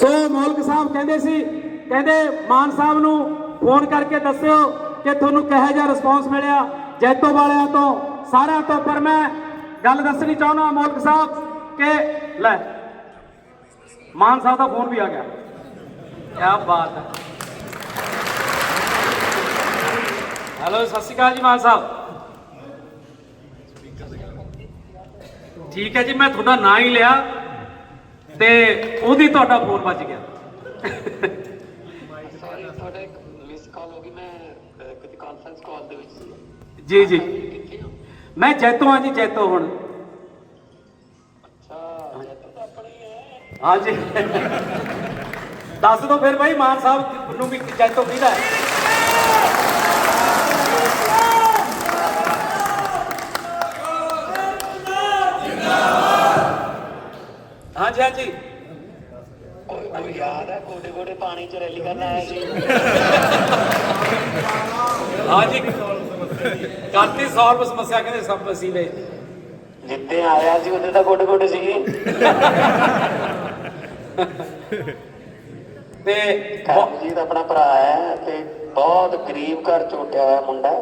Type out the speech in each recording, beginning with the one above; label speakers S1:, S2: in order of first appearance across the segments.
S1: ਸੋ ਮੌਲਕ ਸਾਹਿਬ ਕਹਿੰਦੇ ਸੀ, ਕਹਿੰਦੇ ਮਾਨ ਸਾਹਿਬ ਨੂੰ ਫੋਨ ਕਰਕੇ ਦੱਸਿਓ ਕਿ ਤੁਹਾਨੂੰ ਕਿਹੋ ਜਿਹਾ ਰਿਸਪੌਂਸ ਮਿਲਿਆ ਜੈਤੋ ਵਾਲਿਆਂ ਤੋਂ, ਸਾਰਿਆਂ ਤੋਂ। ਪਰ ਮੈਂ ਗੱਲ ਦੱਸਣੀ ਚਾਹੁੰਦਾ ਮੌਲਕ ਸਾਹਿਬ ਕਿ ਲੈ ਮਾਨ ਸਾਹਿਬ ਦਾ ਫੋਨ ਵੀ ਆ ਗਿਆ। ਕਿਆ ਬਾਤ ਹੈ। ਹੈਲੋ, ਸਤਿ ਸ਼੍ਰੀ ਅਕਾਲ ਜੀ ਮਾਨ ਸਾਹਿਬ। ਠੀਕ ਹੈ ਜੀ, ਮੈਂ ਤੁਹਾਡਾ ਨਾਂ ਹੀ ਲਿਆ ਤੇ ਉਹਦੀ ਤੁਹਾਡਾ ਫੋਨ ਵੱਜ ਗਿਆ।
S2: ਸੌਰੀ, ਤੁਹਾਡਾ ਇੱਕ ਮਿਸ ਕਾਲ ਹੋ ਗਈ। ਮੈਂ ਕਿਤੇ ਕਾਨਫਰੰਸ ਕਾਲ ਦੇ ਵਿੱਚ ਸੀ।
S1: ਜੀ ਜੀ,
S2: ਕਿੱਥੇ ਹੋ?
S1: ਮੈਂ ਜੈਤੋ ਹਾਂ ਜੀ, ਜੈਤੋ ਹੁਣ।
S2: ਅੱਛਾ, ਜੈਤੋ ਤਾਂ ਆਪਣੀ ਹੈ।
S1: ਹਾਂ ਜੀ, ਦੱਸ ਦੋ ਫਿਰ ਭਾਈ ਮਾਨ ਸਾਹਿਬ ਨੂੰ ਵੀ ਜੈਤੋ ਕਿਹਦਾ ਹੈ। हाँ जी, हाँ जी।
S2: ਕੋਈ ਯਾਦ ਹੈ ਗੋਡੇ ਗੋਡੇ ਪਾਣੀ ਚ ਰੈਲੀ ਕਰਨ ਆਇਆ ਸੀ?
S1: हाँ जी, ਕਰਤੀ ਸੌਲਵ ਸਮੱਸਿਆ ਕਹਿੰਦੇ ਸਭ ਵਸੀਲੇ।
S2: ਜਿੱਤੇ ਆਇਆ ਸੀ ਉਹਦੇ ਤਾਂ ਗੋਡੇ ਗੋਡੇ ਸੀਗੇ।
S1: ਤੇ
S2: ਕਰਮਜੀਤ ਆਪਣਾ ਭਰਾ ਹੈ ਤੇ ਬਹੁਤ ਗਰੀਬ ਘਰ ਚ ਉੱਠਿਆ ਹੋਇਆ ਮੁੰਡਾ।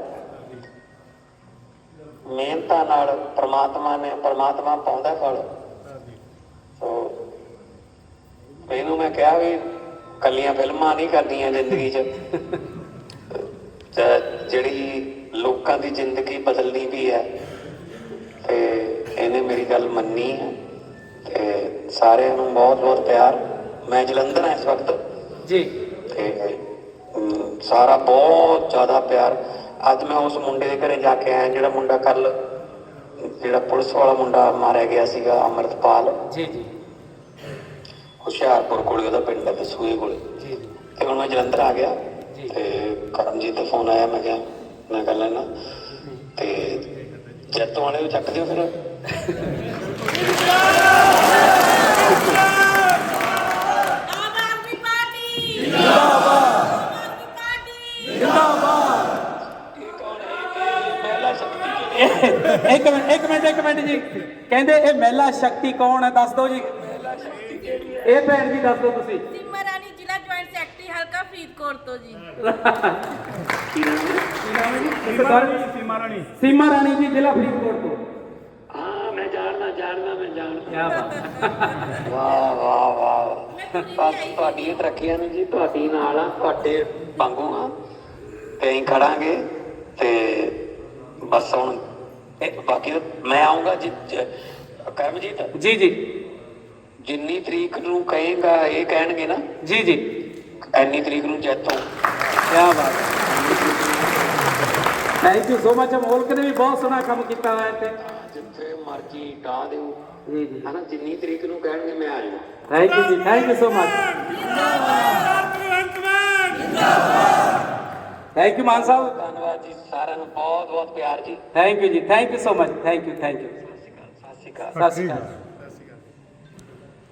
S2: ਮਿਹਨਤਾਂ ਨਾਲ ਪ੍ਰਮਾਤਮਾ ਪਾਉਂਦਾ ਫਲ। ਸੋ ਮੈਨੂੰ ਮੈਂ ਕਿਹਾ ਵੀ ਕੱਲੀਆਂ ਫਿਲਮਾਂ ਨਹੀਂ ਕਰਨੀਆਂ ਜ਼ਿੰਦਗੀ 'ਚ, ਜਿਹੜੀ ਲੋਕਾਂ ਦੀ ਜ਼ਿੰਦਗੀ ਬਦਲਣੀ ਵੀ ਹੈ। ਤੇ ਇਹਨੇ ਮੇਰੀ ਗੱਲ ਮੰਨੀ ਹੈ ਤੇ ਸਾਰਿਆਂ ਨੂੰ ਬਹੁਤ ਬਹੁਤ ਪਿਆਰ। ਮੈਂ ਜਲੰਧਰ ਹਾਂ ਇਸ ਵਕਤ
S1: ਜੀ,
S2: ਤੇ ਸਾਰਾ ਬਹੁਤ ਜ਼ਿਆਦਾ ਪਿਆਰ। ਅੱਜ ਮੈਂ ਉਸ ਮੁੰਡੇ ਦੇ ਘਰੇ ਜਾ ਕੇ ਆਇਆ ਜਿਹੜਾ ਮੁੰਡਾ ਕੱਲ, ਜਿਹੜਾ ਪੁਲਿਸ ਵਾਲਾ ਮੁੰਡਾ ਮਾਰਿਆ ਗਿਆ ਸੀਗਾ, ਅੰਮ੍ਰਿਤਪਾਲ।
S1: ਜੀ ਜੀ
S2: ਹੁਸ਼ਿਆਰਪੁਰ ਕੋਲੇ ਉਹਦਾ ਪਿੰਡ ਹੈ, ਦਸੂਏ ਕੋਲੇ।
S1: ਜੀ
S2: ਤੇ ਹੁਣ ਮੈਂ ਜਲੰਧਰ ਆ ਗਿਆ ਤੇ ਕਰਮਜੀਤ ਦਾ ਫੋਨ ਆਇਆ। ਮੈਂ ਕਿਹਾ ਮੈਂ ਕਰ ਲੈਣਾ ਤੇ ਜੈਤੋ ਵਾਲੇ ਨੂੰ ਚੱਕ ਦਿਓ ਫਿਰ।
S1: ਇੱਕ ਮਿੰਟ ਜੀ, ਕਹਿੰਦੇ ਇਹ ਮਹਿਲਾ ਸ਼ਕਤੀ ਕੌਣ ਹੈ, ਦੱਸ ਦਿਓ ਜੀ। ਇਹ ਭੈਣ ਜੀ ਦੱਸ ਦਿਓ ਤੁਸੀਂ।
S3: ਸੀਮਾ ਰਾਣੀ, ਜ਼ਿਲ੍ਹਾ ਜੁਆਇੰਟ ਸੈਕਟਰੀ, ਹਲਕਾ ਫਰੀਦਕੋਟ ਤੋਂ ਜੀ। ਸੀਮਾ ਰਾਣੀ ਜੀ, ਜ਼ਿਲ੍ਹਾ ਫਰੀਦਕੋਟ ਤੋਂ।
S2: ਹਾਂ, ਮੈਂ ਜਾਣਦਾ।
S1: ਕਿਆ ਬਾਤ।
S2: ਵਾਹ ਵਾਹ ਵਾਹ, ਬਸ ਤੁਹਾਡੀ ਤਰੱਕੀਆਂ ਨੇ ਜੀ, ਤੁਹਾਡੀ ਨਾਲ ਆ, ਤੁਹਾਡੇ ਵਾਂਗੂ ਆ ਤੇ ਅਸੀਂ ਖੜਾਂਗੇ। ਤੇ ਬਸ ਹੁਣ ਬਾਕੀ ਮੈਂ ਆਊਂਗਾ ਜੀ। ਕਰਮਜੀਤ
S1: ਜੀ ਜੀ
S2: ਜਿੰਨੀ ਤਰੀਕ ਨੂੰ ਕਹੇਗਾ, ਇਹ ਕਹਿਣਗੇ ਨਾ
S1: ਜੀ ਜੀ,
S2: ਐਨੀ ਤਰੀਕ ਨੂੰ ਜੈਤੋਂ।
S1: ਕਿਆ ਬਾਤ ਹੈ। Thank you so much. Molak ਨੇ ਵੀ ਬਹੁਤ ਸੋਹਣਾ ਕੰਮ ਕੀਤਾ ਹੋਇਆ ਇੱਥੇ।
S2: ਜਿੱਥੇ ਮਰਜੀ ਡਾ ਦਿਓ
S1: ਜੀ ਜੀ,
S2: ਹਨਾ, ਜਿੰਨੀ ਤਰੀਕ ਨੂੰ ਕਹਿਣਗੇ ਮੈਂ ਆ ਜਾਊਂਗਾ।
S1: ਥੈਂਕ ਯੂ ਜੀ, thank you so much. Thank you Mann Sahib.
S2: ਧੰਨਵਾਦ ਜੀ, ਸਾਰਿਆਂ ਨੂੰ ਬਹੁਤ ਬਹੁਤ ਪਿਆਰ ਜੀ।
S1: ਥੈਂਕ ਯੂ ਜੀ, thank you so much. Thank you, thank you.
S2: ਸਤਿ ਸ਼੍ਰੀ ਅਕਾਲ।
S1: ਸਤਿ ਸ਼੍ਰੀ ਅਕਾਲ।